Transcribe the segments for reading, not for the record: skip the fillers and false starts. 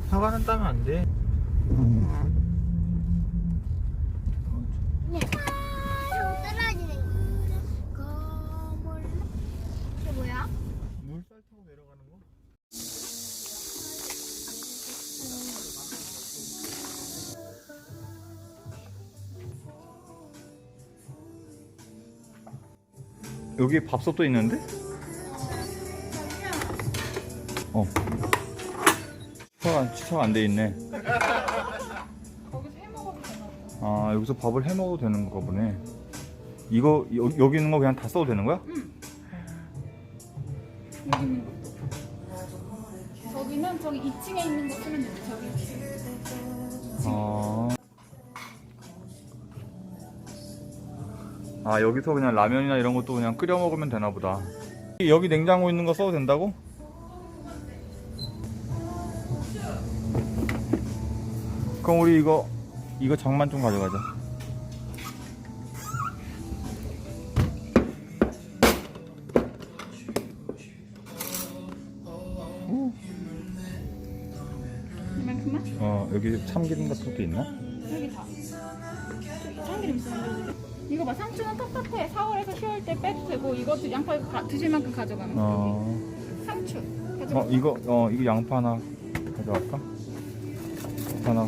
사과는 따면 안 돼. 떨어지네. 거물. 이게 뭐야? 물살 타고 내려가는 거? 여기 밥솥도 있는데? 주차가 안 돼 있네. 거기서 해 먹어도 되나 보다. 아, 여기서 밥을 해 먹어도 되는 거 보네. 이거 여기 있는 거 그냥 다 써도 되는 거야? 응. 여기 있는 것도. 저기는 저기 2층에 있는 거 쓰면 돼. 저기 2층. 아, 여기서 그냥 라면이나 이런 것도 그냥 끓여 먹으면 되나 보다. 여기 냉장고 있는 거 써도 된다고? 그럼 우리 이거 장만 좀 가져가자. 이만큼만? 여기 참기름 같은 것도 있나? 여기 다. 참기름 있어. 이거 봐, 상추는 똑같아. 4월에서 10월 때 빼도 되고, 이것도 양파 드실 만큼 가져가면 돼. 상추. 가져가. 이거 양파 하나 가져갈까? 하나.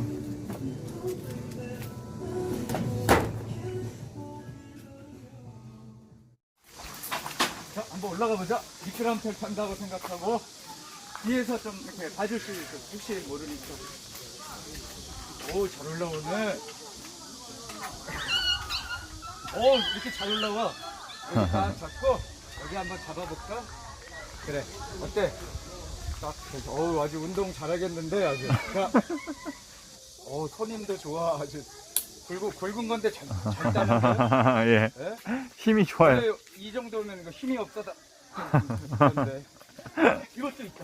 자, 한번 올라가 보자. 미끄럼틀 탄다고 생각하고 뒤에서 좀 이렇게 봐줄 수 있어. 혹시 모르니까. 오, 잘 올라오네. 오, 이렇게 잘 올라와. 여기 딱 잡고 여기 한번 잡아볼까? 그래. 어때? 딱 그래서 어우, 아주 운동 잘하겠는데 아주. 자, 손님도 좋아. 아주 굵은 건데 잘 따는데. 예. 예? 힘이 좋아요. 그래, 이 정도면 이거 힘이 없어다. 그런데 이것도 있다.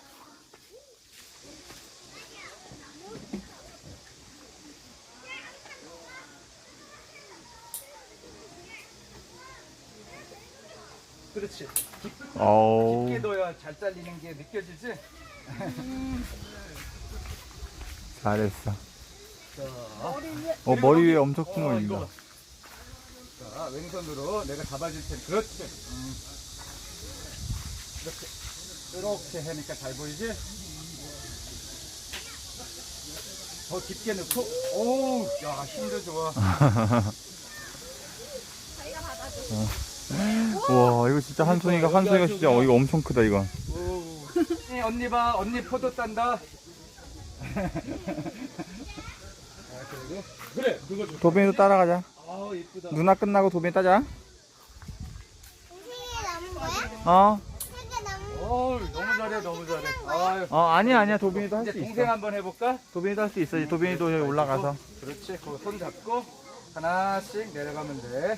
그렇지. 깊게 넣어야 잘 잘리는 게 느껴지지? 잘했어. 자, 머리 위에 엄청 큰 거 이거 있다. 봐. 자, 왼손으로 내가 잡아줄 테니 그렇지. 이렇게 하니까 잘 보이지? 더 깊게 넣고, 오우, 야, 힘도 좋아. 와, 이거 진짜 한손이가 진짜 이거 엄청 크다 이건. 오우. 언니 봐, 언니 포도 딴다. 그래, 그거 좋다. 도빈이도 따라가자. 아, 이쁘다. 누나 끝나고 도빈이 따자. 3개 남은 거야? 3개 남은 거. 어우, 너무 잘해, 너무 잘해. 아유. 아니야. 도빈이도 할 이제 수 동생 있어. 한번 해볼까? 도빈이도 할 수 있어. 도빈이도 여기 올라가서. 그렇지. 그 손 잡고 하나씩 내려가면 돼.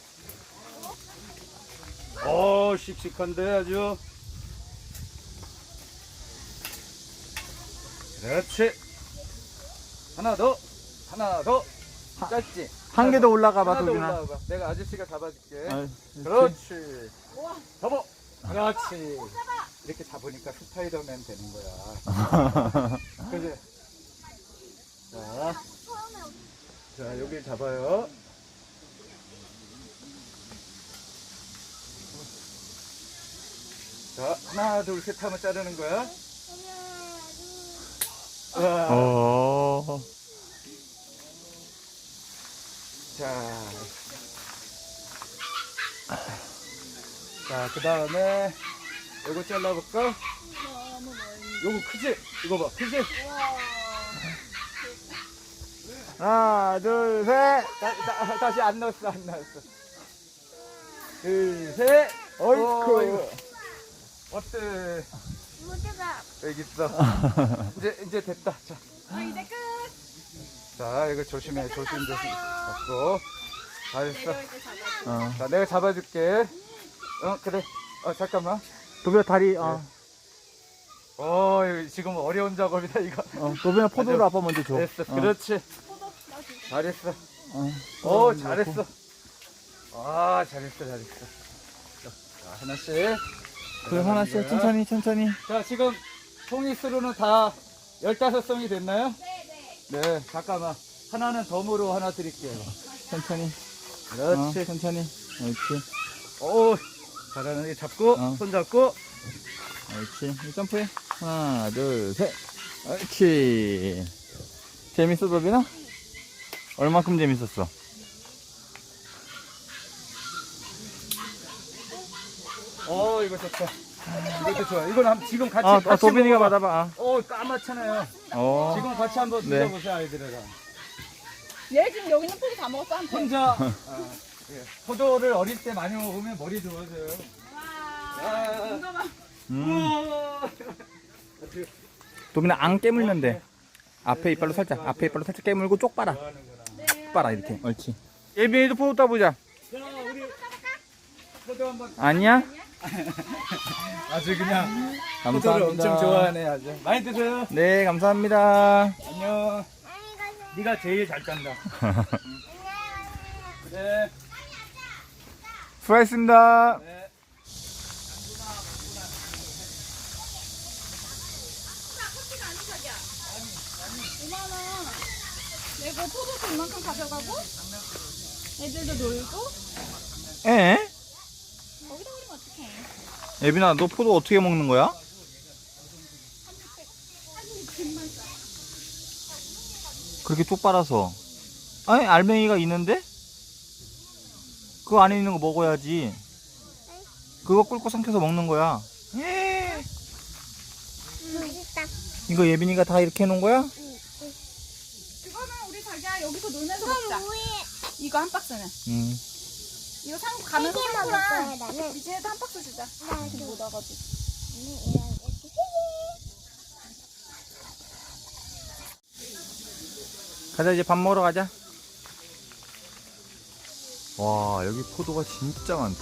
씩씩한데 아주. 그렇지. 하나 더. 짧지? 한 개 더 올라가 봐, 하나 더 도빈아. 올라와봐. 내가 아저씨가 잡아줄게. 아, 그렇지. 잡아. 그렇지. 이렇게 잡으니까 스파이더맨 되는 거야. 그지? 자, 여기 잡아요. 자, 하나, 둘, 셋 하면 자르는 거야. 우와. 자, 그 다음에 이거 잘라볼까? 요거 크지? 이거 봐, 크지? 하나, 둘, 셋. 다시 안 넣었어. 둘, 셋. 어이쿠. 어때? 모두가. 여기 있어. 이제 됐다. 자, 이제 끝. 자, 이거 조심해. 조심. 잡고. 잘했어. 내려올 때 잡아. 자, 내가 잡아줄게. 그래. 잠깐만. 도빈아 다리. 이거 지금 어려운 작업이다, 이거. 도빈아 포도를 아빠 먼저 줘. 됐어. 그렇지. 포도 놔줄게. 잘했어. 어, 잘했어. 아, 잘했어. 자, 하나씩. 그래, 하나씩 천천히. 자, 지금 송이스루는 다 15송이 됐나요? 네, 잠깐만. 하나는 덤으로 하나 드릴게요. 천천히. 그렇지. 천천히. 옳지. 오, 잘하는 게 잡고, 손 잡고. 옳지. 점프해. 하나, 둘, 셋. 옳지. 재밌어, 도빈아? 얼만큼 재밌었어? 이거 좋다. 이것도 좋아. 이건 지금 같이. 도빈이가 먹어봐. 받아봐. 까맣잖아요. 지금 같이 한번 네. 드셔보세요, 아이들이랑. 얘 지금 여기 있는 포도 다 먹었어, 한테. 혼자 예. 포도를 어릴 때 많이 먹으면 머리 좋아져요. 이거만. 우와. 도빈아, 안 깨물는데. 앞에 이빨로 살짝 깨물고 쪽 빨아. 쪽 빨아, 이렇게. 옳지. 예빈이도 포도 따보자. 자, 우리 포도 한번. 아니야? 아주 그냥 감사합니다. 포도를 엄청 좋아하네, 아주. 많이 드세요. 네, 감사합니다. 안녕. 네가 제일 잘 딴다. 네. 수고하셨습니다. 네. 내고 포도도 이만큼 가져가고 애들도 놀고 에? 거기다 버리면 어떡해. 예빈아, 너 포도 어떻게 먹는 거야? 그렇게 쪽 빨아서. 아니, 알맹이가 있는데? 그 안에 있는 거 먹어야지. 그거 꿀꺽 삼켜서 먹는 거야. 맛있다. 이거 예빈이가 다 이렇게 해놓은 거야? 그거는 우리 자기야 여기서 놀면서 그럼 먹자. 뭐해? 이거 한 박스는. 이거 가면서 세개 먹을 거야, 상구랑 나는. 미진이도 한 박스 주자. 이렇게 못 와가지고. 가자, 이제 밥 먹으러 가자. 와, 여기 포도가 진짜 많다.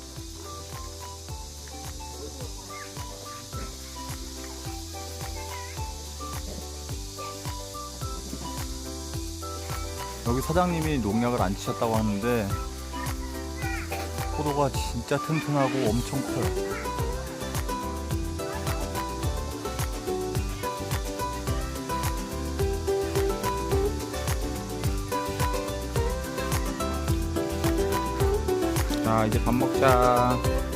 여기 사장님이 농약을 안 치셨다고 하는데 포도가 진짜 튼튼하고 엄청 커요. 자, 이제 밥 먹자.